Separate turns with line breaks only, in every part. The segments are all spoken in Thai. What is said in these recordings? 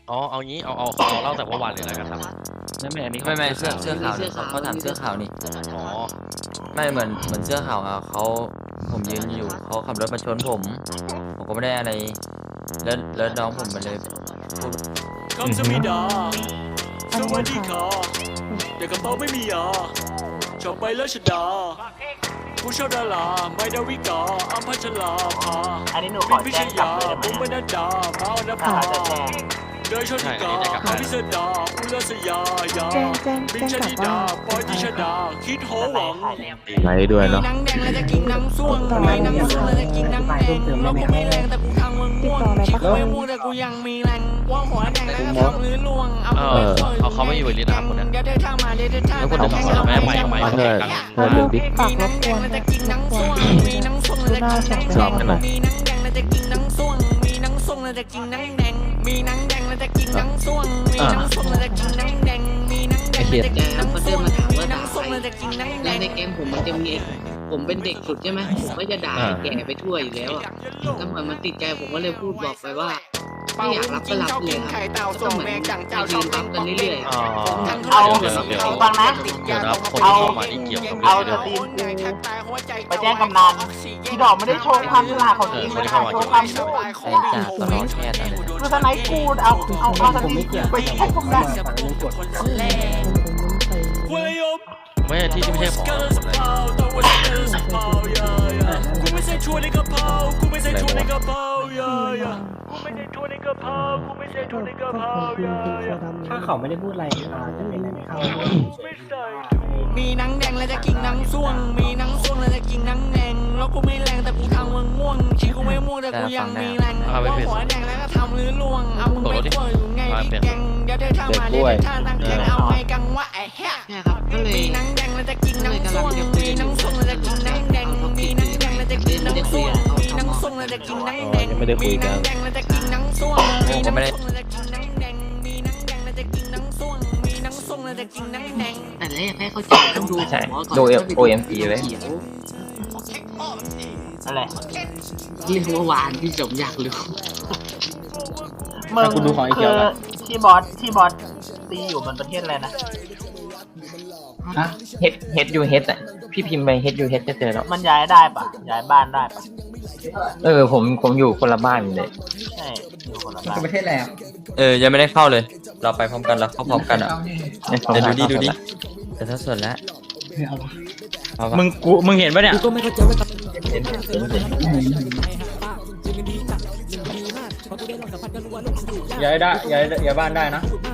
อ๋อเอางี้เอาเล่าแต่เมื่อวานเลยแล้วกันครับ
ไม่อันนี้
ไม่เสื้อขาวนี่เขาถามเสื้อขาวนี่
อ๋อ
ไม่เหมือนเสื้อขาวอ่ะเขาผมยืนอยู่เขาขับรถมาชนผมก็ไม่ได้อะไรแล้วน้องผมมันเลยพูด
คำสมิดาสวัสดีค่ะเด็กกระเป๋าไม่มียาชอบไปแล้วชดาผู้ชอบดาราไม่ดาวิกาอัมพัชลาภา
อันนี้หนูข
ปิ
อน
พิ
แจ้
ช
งกลับ
ยา
เลยได้ไหม
บุ้มบรรดามาอนภาเดยชนิกาพิสดาอุลสยายาบินชนิดาปอยติชดาคิดโหวัง
ไลฟ์ด้วยเนาะ
นังแดงแล้วจะกินนังส่วงไม่นังส่วงแล้วจะกินนังแดงแล้วกูไม่แรงแต่กูทำมึงม่วงคิดกูไม่ม่วงแต่กูยังมีแรงว่าหัวแดงแล้วก็ทำหรือล่วง
เอาเขาไม่อยู่ลิ้นนะครับคนนี้
เดี๋ยวเธอทำมาเดี๋ยวเธอทำ
แล้วคนอื่นเขาจะไม่ไม่
เธอดึงดิ
มีนังแดงแล้วจะกินนังส่วงมีนังส่วงแล้วจะกินนังแดงมีนังแดงแล้วจะกินนังส่วงมีนังส่วงแล้วจะกินนังแดงมีนังแดงแล้วจะกินนังส่วงมีนังส่วงแล้วจะกินนังแดงมีนังแดงแล้วจะกินนังส่วงมีนังส่วงแล้วจะกินนังแด
แล้ว
ง
ในแก๊งผมมันจะมีผมเป็นเด็กสุดใช่ไหมผมก็จะด่าแกไปทั่วอยู่แล้วอ่ะแล้วเหมือนมันติดใจผมก็เลยพูดบอกไปว่าไม่อยากรับก็รับเลยครับก็เหมือนยืนรับกันเรื่อย
อ๋อ
เอาฟังนะ
เดี๋ยวนะคนที่เข้ามานี่เกี่ยวกับ
เอา
เรื่อง
ส
นี้
ตรีมกูไปแจ้งกำนันที่ดอกไม่ได้โชว์ความฉลาดของจริงนะโชว์ความพูด
ไอ้จ่าตลอดแค่ตอนนี้
คือสไนป์กูเอาสตรีมกูไปแจ้งกำนัน
วลยม
ไม่ใช่ที่ไม่ใช่ของ
กูไม่ใช่ชวนในกระเพรากูไม่ใช่ชวนในกระเพรากูไม่ใช่ชวนในกระเพรากูไม่ใช่ชวนในกระเพรา
ถ้าเขาไม่ได้พูดอะไรจะเป็นอะไรเขา
มีนังแดงแล้วจะกินนังส่วงมีนังส่วงแล้วจะกินนังแดงแล้วกูไม่แรงแต่กูทำมึงม่วงชีกูไม่ม่วงแต่กูยังมีแรงว่าหัวแดงแล้วก็ทำหรือล่วงเอามึงไปทั่วอยู่ไงพี่แกงเดี๋ยวเธอทำมาเดี๋ยวเธอท่าตั้งแกงเอาไงกังวะไอ้แฮะ
ๆใช่ครับก็เลย
มีนังแดงแล้วจะกินนังส่วงมีนังส่วงแล้วจะกินนังแดงมีนังแดงแล้วจะกินนังส่วงมีนังส่วงแล้วจะกินนังแดงมีนังแดงแล้วจะกินนังส่วงมีนังส่วงแล้วจะกินนังแดงมีนังแดงแล้วจะกินนังส่วงมีนังส่วงแล้วจะกินนังแดง
แต่แรกให้เข้าใจต้องดูหัวก่อน
ดู OMG ไว้
เขียว
อะไร
เรียกว่าวานพี่สมอยากรู้
มึงคือที่บอสตีอยู่บนประเทศอะไรนะ
เฮดยูเฮดอ่ะพี่พิมพ์ไปเฮดยูเฮดจะเจอแล้ว
มันย้ายได้ปะย้ายบ้านได้ปะ
ผมอยู่คนละบ้านเลย
ใช่อยู่คนละบ้าน
ประเทศอะไรอ่ะ
ยังไม่ได้เข้าเลย เราไปพร้อมกันเราเข้าพร้อมกันอ่ะเดี๋ยวดูดิแต่ถ้าส่วนแล้ว
มึงเห็นปะเนี่ย ย้ายได้ย้ายบ้านได้นะ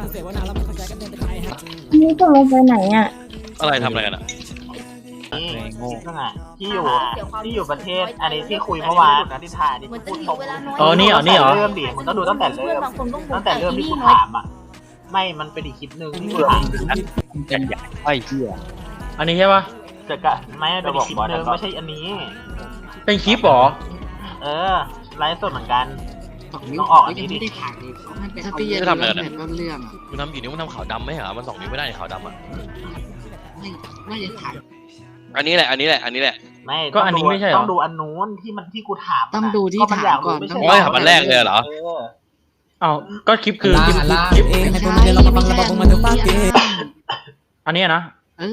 นี่จะลงไปไหนอ่ะ
อะไรทำอะไรกันอ่ะ
นี่นั่นไงที่อยู่ประเทศอันนี้ที่คุยเมื่อวานนะที่ถ่ายนี่พูดตรง
อ๋อนี่เหรอ
เริ่มดิมึงต้องดูตั้งแต่เริ่มที่กูถามอ่ะไม่มันเป็นอีกคลิปหนึ่งที่กูถาม
ไอ้เหี้ยอันนี้ใช่ปะ
เกิดกะไม่เป็นอีกคลิปหนึ่งไม่ใช่อันนี้
เป็นคลิปเหรอ
ไลฟ์สดเหมือนกัน
นิ้วก็ยังไม่ได้ถ่ายเลยถ้าพี่จะทำแบบต้นเรื่อง
มึงทำกี่นิ้วมึงทำขาวดำไหมเหรอมัน2 นิ้วไม่ได้ขาวดำอ่ะ
ไม่จะถ่าย
อันนี้แหละ
ไม่
ก็อันนี้ไม่ใช่เหรอ
ต้องดูอันนู้นที่กูถาม
ต้องดูที่ถามก่อน
โอ้ยถามอันแรกเลยเหรอ
อ้าวก็คลิปคือคลิป
ไม่ใช่เราบังระบบมันถึงป้าเก
อันนี้นะ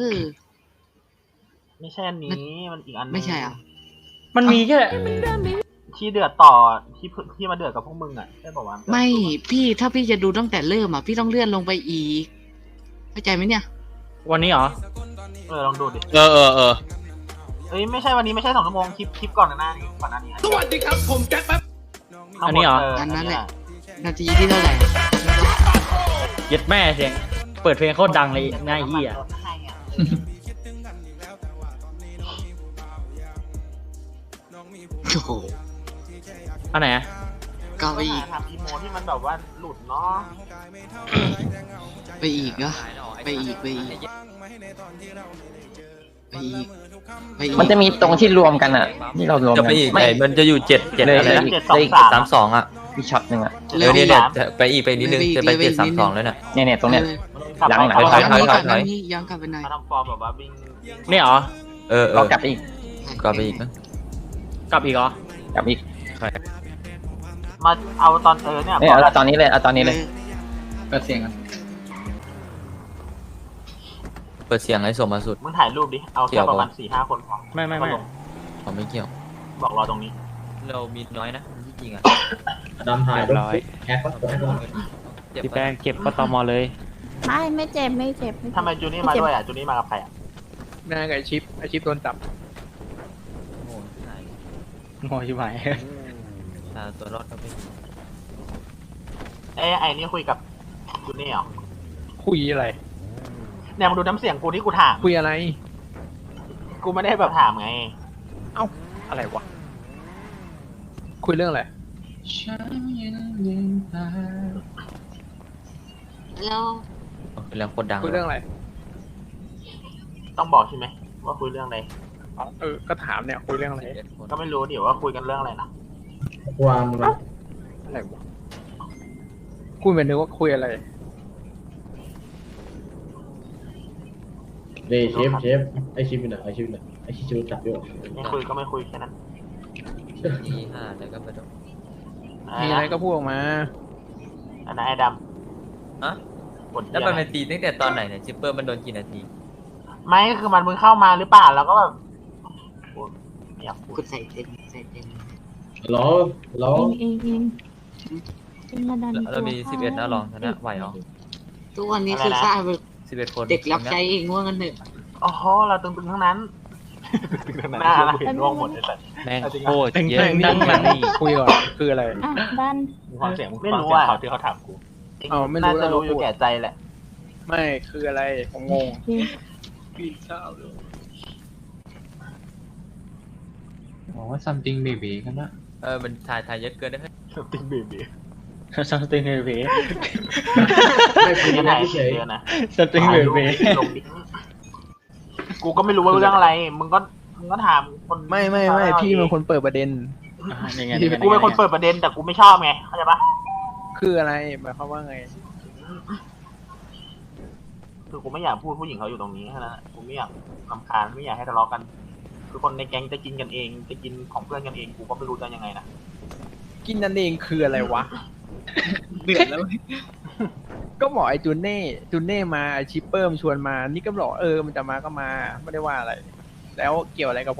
ไม่ใช่อันนี้มันอีกอัน
ไม่ใช่อ่ะ
มันมีแค่
ที่เดือดต่อที่มาเดือดกับพวกมึงอ่ะใช่ป่าวะ
ไม่พี่ถ้าพี่จะดูตั้งแต่เริ่มอ่ะพี่ต้องเลื่อนลงไปอีกเข้าใจไหมเนี่ย
วันนี้เหรอ
ลองดูดิ
เออ
ไม่ใช่วันนี้ไม่ใช่2 ชั่วโมงคลิปก่อนหน้านี้
สวัสดีครับผมแจ็คแป๊บ
อันนี้เหรอ
อันนั้นแหละนาทีที่เท่าไหร่
เย็ดแม่เสียงเปิดเพลงโคตรดังเลยหน้าเหี้ย
โอ้โห
อันไหนอะ
ก็ไปอีก
ทำอีโมที่มันแบบว่าหลุดเนาะ
ไปอีกเหรอไปอีก
มันจะมีตรงที่รวมกันอ่ะที่เรารวมกันไม่มันจะอยู่7เลยอะไรนะอีก32อ่ะมีช็อตนึงอ่ะเนี่ยไปอีกไปนิดนึงจะไป732แล้วเนี่ยตรงเนี้ย หลัง
ย้อนกลับไปไหน
มาทำฟอร์มแบบว่าวิ่ง
นี่เหรอ
ก็กลับไปอีกกลับอีก
กลับอีกเหรอ
กลับอีก
มาเอาตอนเนี่ย
เอาตอนนี้เลย
เปิดเสียงกัน
เปิดเสียงไอ้สมมาสุด
มึงถ่ายรูปดิ เอาแค่ประมาณ 4-5 คนพอ
ไม่
ผมไม่เกี่ยว
บอกรอตรงนี้
เรามีน้อยนะที่จริงอ่ะ
ดำถ่าย
เรียบร้อย
แอค
พี่แป้งเก็บปตมเลย
ไม่เจ็บไม่เจ็บ
ทำไมจูนี่มาด้วยอ่ะ จูนี่มากับใครอ่ะ
น่ากับไอชิปโดนจับ
โง่หาย
โง่ชิบหาย
ตัวรอดก็ไม่มี
ไอ้นี่คุยกับจูนี่เหรอ
คุยอะไร
เนี่ยมึงดูน้ำเสียงกูที่กูถาม
คุยอะไร
กูไม่ได้แบบถามไง
อะไรวะ คุยเรื่องอะไร
แล้ว
เป็นเรื่องโคตรดัง
คุยเรื่องอะไร
ต้องบอกใช่ไหมว่าคุยเรื่องอะไร
อ๋อก็ถามเนี่ยคุยเรื่องอะไร
ก็ไม่รู้เดี๋ยวว่าคุยกันเรื่องอะไรนะ
วางมึง
อะไรวะคุยเหมือนนึกว่าคุยอะไร
เดเชฟไอชิปอยู่ไหนไอชิปจูจับอยู่
ไม่คุยก็ไม่คุยแค่นั้น
ที่5แล้วก็ไปดู
มีอะไรก็พูดออกมา
อันนั้นไอ้ด
ฮะ
ำกด
แล้วมันเป็นตีตั้งแต่ตอนไหนเนี่ยจิปเปอร์มันโดนกี่นาที
ไม่คือมันมึงเข้ามาหรือเปล่าแล้วก็แบบไม่อยากพูด
คุณใส่เต็ม
ล้อ
เองมาดัน
เรามี11นะลองชนะไหวเหรอ
ทุกวันนี้คือข้าเป็น
11 คน
เด็กรับใช้เองว่างั้นเถอะ
อ๋อเราตึงๆทั้งนั้นหน้าเห็นร่วงหมดเลยสัตว์
แม่ง
จริง
โคตร
แต่ง
เยอะ
แต่งนี่คุยก่อนคืออะไร
ดัน
ฟังเสียงไม่รู้อ่ะเขาที่เขาถามกู
อ๋อไม่รู้
น่าจะรู้อยู่แก่ใจแหละ
ไม่คืออะไรผมงง
อ๋อ something baby กันนะมันถ่ายเยอะเกินได้ไหม
ติ๊งเบบี
สติงเบบี
ไม่คุย
ยัง
นะ
ไง
เฉย
เยอะนะ
สติงเบบี
ลงดิกูก็ไม่รู้ว่าเรื่องอะไร มึงก็ถามคน
ไม่พี่เป็นคนเปิดประเด็น
ยังไง
กูเป็นคนเปิดประเด็นแต่กูไม่ชอบไงเข้าใจปะ
คืออะไรหมายความว่าไง
คือกูไม่อยากพูดผู้หญิงเขาอยู่ตรงนี้แค่นั้นกูไม่อยากรำคาญไม่อยากให้ทะเลาะกัน คือคนในแก๊งจะกินกันเองจะกินของเพื่อนกันเองกูก็ไม่รู้จะยังไงนะ
กินนั่นเองคืออะไรวะ
เดือดแล้ว
ก็บอกไอ้จูเน่มาไอ้ชิปเปอร์มนชวนมา นี่ก็บอกมันจะมาก็มาไม่ได้ว่าอะไร แล้วเกี่ยวอะไรกับผม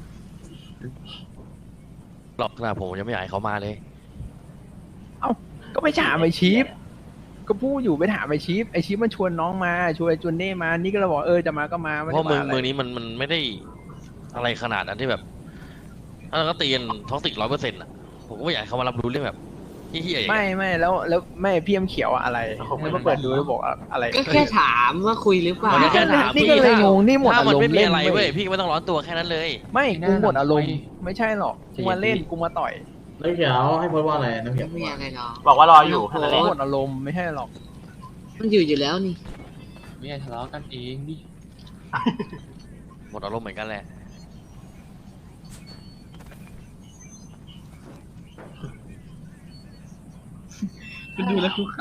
หรอกนะผมยังไม่อยากให้เขามาเลย
ก็ไปถามไอ้ชิปก็พูดอยู่ไปถามไอ้ชิปมันชวนน้องมาชวนไอ้จูเน่มานี่ก็เลยบอกจะมาก็มาไม่
เพ
ได้
ราะเมื
ว่า
อง
อะไร
เมืองนี้มันไม่ได้อะไรขนาดนั้นที่แบบถ้าก็ตีกันท้องติด100%อ่ะผมก็ไม่อยากให้เขามารับรู้เรื่องแบบเฮี้ยๆอย่างเงี้ย
ไม่แล้วไม่พี่เขียวอะไรแล้วมาเปิดดูแล้วบอกอะไร
ก็แค่ถามว่าคุยหรือเปล่า
มันก็แค่ถาม
นี่ก็เลยงงนี่หมด
ถ้า
อา
มัน
รม
ไม่
ณ์
มี
เล่น
อะไรเว้
เว้
ย
ย
พี่ไม่ต้องร้อนตัวแค่นั้นเลย
ไม่กูหมดอารมณ์ไม่ใช่หรอกกูมาเล่นกูมาต่อย
น้ำเขียวให้พูดว่าอะไรน้ำเขียว
ไม่มีอะไรหรอก
บอกว่ารออยู่แค่นั้นแห
กู
ละ
หมดอารมณ์ไม่ใช่หรอก
มันอยู่แล้วนี่
ไม่ทะเลาะกันเองดิ
หมดอารมณ์เหมือนกันแหละ
ดูแล้วกูข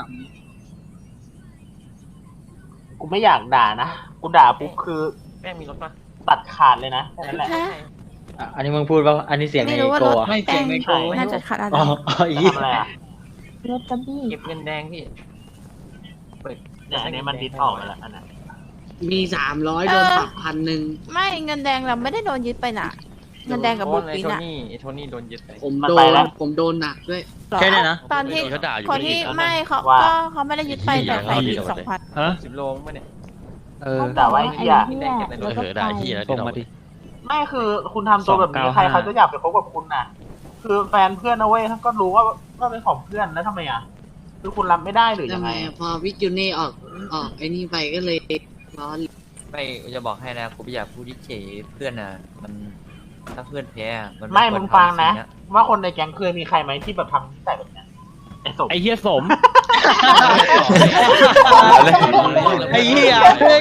กูไม่อยากด่านะกูด่าปุ๊บคือ
แม่งมีรถปะ
ตัดขาดเลยนะแค่นั้นแหละ
อันนี้มึงพูดว่าอันนี้เสียงใน
ไม่รู้ว่า
โก
รถ
อะ
ไม่เสียงในโก
น่าจะขาดอะไร
อ๋ออี
ทำอะไรอ่ะ
รถกระบี่
เก็บเงินแดงพี่
เนี่ยอันนี้มันดิสออกไปแล้วอันนั้น
มี300โดนปรับ1,000
ไม่เงินแดงเราไม่ได้โดนยึดไปน่ะ เงินแดงกับบุกปินอ่ะ
โทนี่โดนยึดไป
ผมโดนหนักด้วย
หรอ
แค่นี้นะ
ตอนที่
เขาด่าอยู่
คนที่
ไม่ได้ยิน
ไม่เขา
ว่า
ก็เขาไม่ได้ยึดไปแต่ใส่อีก2,000
ฮะ
10 โลมั้งเนี่ย
ด่าว่าไอ้เหี้ย
แดงเก็บในรถ
ด่าเฮียแล้ว
ส่
ที่
ง
เรา
มาดิ
ไม่คือคุณทำตัวแบบนี้
295
ใครเขาจะอยากไปคบกับคุณน่ะ คือแฟนเพื่อนนะเว้ยก็รู้ว่าเป็นของเพื่อนแล้วทำไมอ่ะคือคุณรับไม่ได้หรือยั
ทำ
ง
ไม
ไง
อะพอวิจูเน่ออกไอ้นี่ไปก็เลยร้อน
ไม่จะบอกให้นะกูไม่อยากพูดที่เฉยเพื่อนน่ะมันถ้าเพื่อนแพ้อะมัน
ไม่
ควร
มึงฟังนะ
ทำสิ่เย
ว่าคนในแก๊งเคยมีใครไหมที่แบบทำนิสัยแบบเนี้ยไอ้สม
ไอ้เหี้ยสม
ไอ้เหี้ย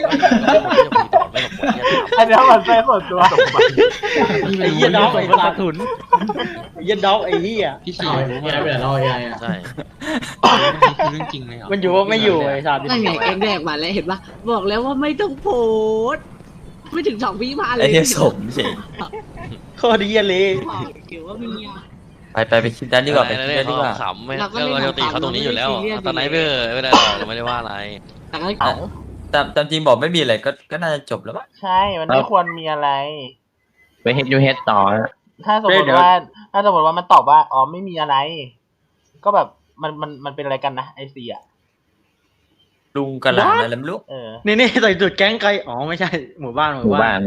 อันนี้มันเป็นส่วนตัว
ไอ้เหี้ยด็อกไอ้ปลาถุนไอ้เหี้ยด็อกไอ้เหี้ย
พี่ฉี่รู้ไหมไปไหนเราไงอ่ะ
ใช่
มันอยู่ว่าไม่อยู่ไอ้สัตว์
นั่นไงแกงแรกมาแล้วเห็นปะบอกแล้วว่าไม่ต้องโพสต์ไม่ถึง2 วิมาเลย
ไอ้เนี่ยสมเฉย
โคตรเหี้ยเลย
บอกเกี่ยวว่ามีอะ
ไปคิดด้านดีกว่าไปคิดด้านดีกว่า
ขำไม่เราจะตีเขาตรงนี้อยู่แล้วตอนไหนไม่ได้หรอกเราไม่ได้ว่าอะไร
แต่ก็
ตามจริงบอกไม่มีอะไรก็น่าจะจบแล้วป่ะ
ใช่ มันไม่ควรมีอะไร
ไปเฮดยูเฮดต่อ
ถ้าสมมติว่ามันตอบว่าอ๋อไม่มีอะไร ก็แบบมันเป็นอะไรกันนะไอซีอ่ะ
ลุงกับหลานอะไรไม่รู้
นี่ใส่จุดแก๊งไกลอ๋อไม่ใช่หมู่บ้าน
หมู่บ้าน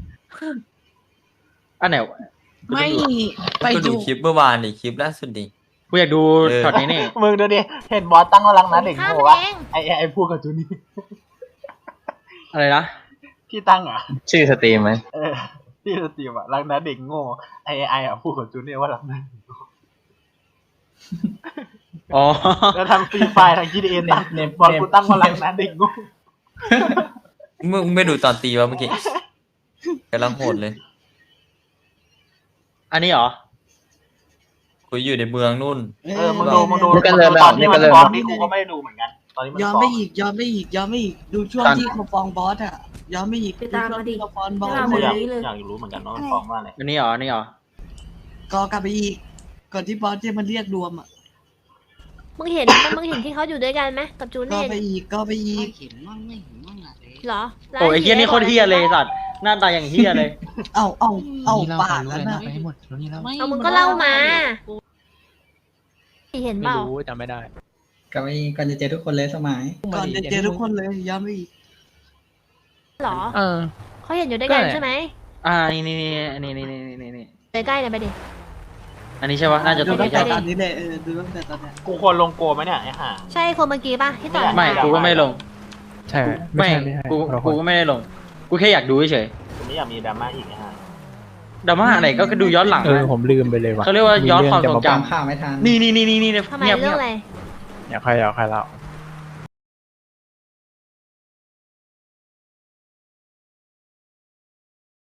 อันไหน
ไม่ไป
ก็
ดู
ดูคลิปเมื่อวานดิคลิปล่าสุดดิ
กูอยากดูช็อตนี้นี่
มึงดูดิเห็นบอสตั้งกำลังนะเด็กโง่วะไอพูดกับจูนี่
อะไรนะ
ที่ตั้งอ่ะ
ชื่อสตรีมไหม
ที่สตรีมอ่ะรักนะเด็กโง่ไออ่ะพูดกับจูนี่ว่ารักนะ
อ๋อ
แล้วทำฟรีไฟทาง GTA ตั้งบอสกูตั้งว่ารักนะเด็กโง่
มึงไม่ดูตอนตีวะเมื่อกี้กำลังโหดเลย
อันนี้เหรอ
กูอยู่ในเมืองนู่น
มึงดูตอนที่มันบอสนี่กูก็ไม่ได้ดูเหมือนกันตอนนี้มัน
ย้อนไม่อีกดูช่วงที่เขาฟ้องบอสอ่ะย้อนไม่อีก
ไปตามมาดิ
เขาฟ้องบอส
อยากรู้เหมือนกันว่ามันฟ้องว่าอะไร
อันนี้เหรอ
ก็กลับไปอีกก่อนที่บอสจะมาเรียกรวมอ่ะ
มึงเห็นที่เขาอยู่ด้วยกันไหมกับจู
ก็
เน่
ไปอีก
เห็นมั่งไม่เห็นมั่งอะ
เหรอ
โอ้ยไอ้เฮียนี่โคตรเฮียเลยสัตว์หน้าตาอย่างเฮียเลย
เอาปากแล้วนะ
ไปให้หมดนี่เล่า
เอามึงก็เล่ามาเห็นเป
ไม่
ล่า
รู้จำไม่ได้
ก่อนจะเจอทุกคนเลยสมัย
ก่อนจะเจอทุกคนเลยย้อนไม่อีก
เหรอ
เออ
เขาเห็นอยู่ด้วยกัน
ก็
ใช่ไหม
นี่
ไปใกล้เลยไปดิ
อันนี้ใช่ปะน่าจะ
ดู
ตัว
ตั้
นี้
งแต่
ใช่
ตอ
ปะ
นนี้เลยดูตั้งแต่ตอนนี้
กูควรลงโกไหมเนี่ยไอ้ห่า
ใช่คนเมื่อกี้ป่ะที่ต่อย
ไม่กูก็ไม่ลง
ใช่
ไม่กูก็ไม่ได้ลง กูแค่อยากดูเฉย
กูไม่อยากมีดราม่าอีกไอ้ห่า
ดราม่าอะไรก็ดูย้อนหลัง
ผมลืมไปเลยว่ะ
เขาเรียกว่าย้อนความทรงจ
ข้าวไม่ทัน
ำนี่
ทำไม
เงียบ
เรื่องอะไร
อยากใครเล่า